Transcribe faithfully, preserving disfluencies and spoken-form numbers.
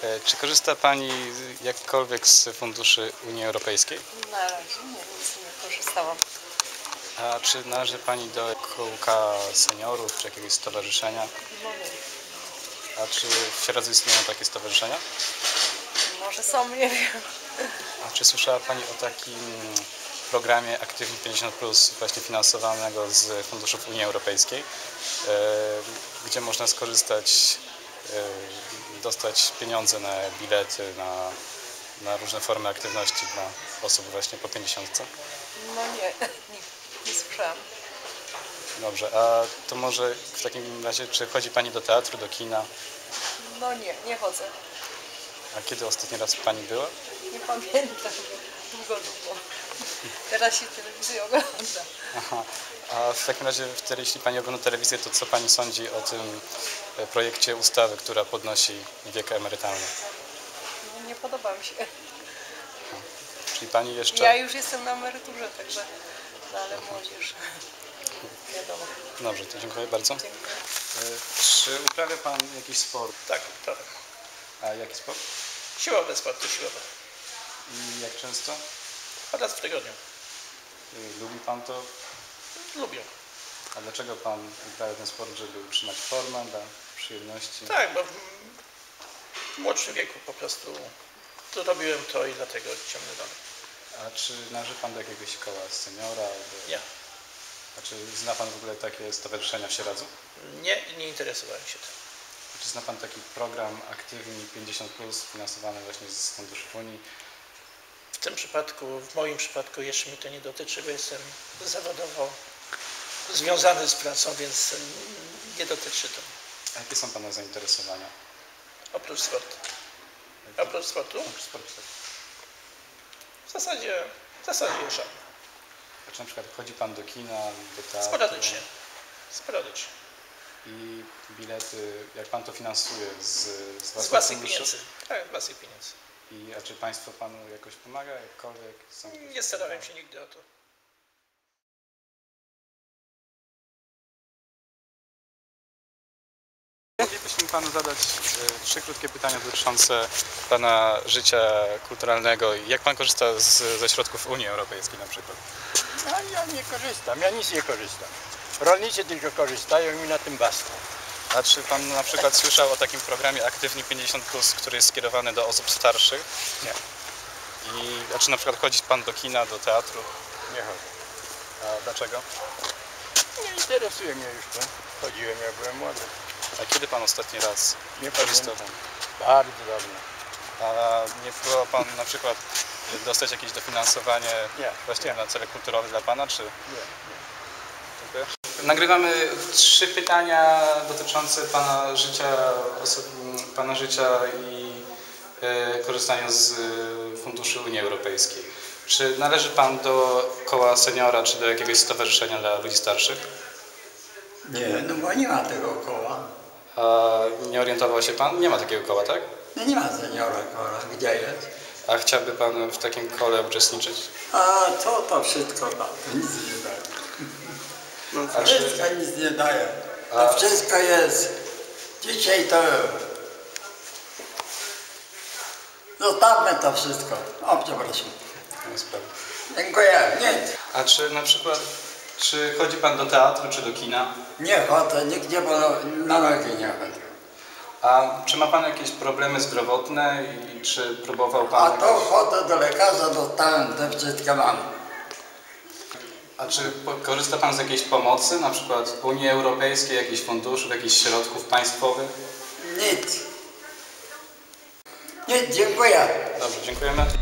E, Czy korzysta Pani jakkolwiek z funduszy Unii Europejskiej? Na razie nie, nic nie korzystałam. A czy należy Pani do kółka seniorów, czy jakiegoś stowarzyszenia? No nie. A czy w Sieradzu istnieją takie stowarzyszenia? Może są, nie wiem. A czy słyszała Pani o takim programie Aktywni pięćdziesiąt plus, właśnie finansowanego z funduszów Unii Europejskiej, e, gdzie można skorzystać, e, dostać pieniądze na bilety, na, na różne formy aktywności dla osób właśnie po pięćdziesiątce? No nie, nie, nie słyszałam. Dobrze, a to może w takim razie, czy chodzi Pani do teatru, do kina? No nie, nie chodzę. A kiedy ostatni raz Pani była? Nie pamiętam. Długo, długo. Teraz się telewizję ogląda. Aha. A w takim razie, wtedy, jeśli Pani ogląda telewizję, to co Pani sądzi o tym projekcie ustawy, która podnosi wiek emerytalny? No, nie podoba mi się. Czyli Pani jeszcze... Ja już jestem na emeryturze, także... No ale młodzież... Wiadomo. Dobrze, to dziękuję bardzo. Dziękuję. E, Czy uprawia Pan jakiś sport? Tak, prawda. A jaki sport? Siłowe, sporty siłowe. I jak często? Raz w tygodniu. E, Lubi Pan to? Lubię. A dlaczego Pan uprawia ten sport, żeby utrzymać formę, dla przyjemności? Tak, bo w młodszym wieku po prostu zrobiłem to i dlatego ciągnę dalej. A czy należy Pan do jakiegoś koła seniora? Albo... Nie. A czy zna Pan w ogóle takie stowarzyszenia w Sieradzu? Nie i nie interesowałem się tym. Czy zna Pan taki program Aktywni pięćdziesiąt plus, finansowany właśnie z funduszy Unii? W tym przypadku, w moim przypadku jeszcze mnie to nie dotyczy, bo jestem zawodowo związany z pracą, więc nie dotyczy to. A jakie są Pana zainteresowania? Oprócz sportu. Oprócz sportu? Oprócz sportu, tak. W zasadzie, w zasadzie żadne. A czy na przykład chodzi Pan do kina, do teatru? Sporadycznie. Sporadycznie. I bilety, jak Pan to finansuje? Z, z Z własnych własnych funduszy? pieniędzy. Tak, z własnych pieniędzy. I, a czy Państwo Panu jakoś pomaga? Jakkolwiek? Są Nie starałem się nigdy o to. Moglibyśmy Panu zadać e, trzy krótkie pytania dotyczące Pana życia kulturalnego i jak Pan korzysta z, ze środków Unii Europejskiej na przykład? Ja, ja nie korzystam, ja nic nie korzystam. Rolnicy tylko korzystają i na tym basta. A czy Pan na przykład słyszał o takim programie Aktywni pięćdziesiąt plus, który jest skierowany do osób starszych? Nie. I, a czy na przykład chodzi Pan do kina, do teatru? Nie chodzę. A dlaczego? Nie interesuje mnie już to. Chodziłem jak byłem młody. A kiedy Pan ostatni raz Nie korzystał? pamiętam. Bardzo dawno. A nie próbował Pan na przykład dostać jakieś dofinansowanie Nie, właśnie nie. na cele kulturowe dla Pana, czy? Nie, Dziękuję. Nagrywamy trzy pytania dotyczące Pana życia, Pana życia i e, korzystania z funduszy Unii Europejskiej. Czy należy Pan do koła seniora, czy do jakiegoś stowarzyszenia dla ludzi starszych? Nie, no bo nie ma tego koła. A nie orientował się Pan? Nie ma takiego koła, tak? No nie ma seniora koła. Gdzie jest? A chciałby Pan w takim kole uczestniczyć? A co to wszystko da? To nic nie daje. No A czy- wszystko nic nie daje. A- To wszystko jest. Dzisiaj to... Zostawmy to wszystko. O, przepraszam. Nie sprawy. Dziękuję. Nie. A czy na przykład, czy chodzi Pan do teatru, czy do kina? Nie chodzę, nigdzie bo na nogi nie chodzę. A czy ma Pan jakieś problemy zdrowotne i czy próbował Pan... A to chodzę do lekarza, dostałem, to wszystko mam. A czy po- korzysta Pan z jakiejś pomocy, na przykład Unii Europejskiej, jakichś funduszów, jakichś środków państwowych? Nic. Nic, dziękuję. Dobrze, dziękujemy.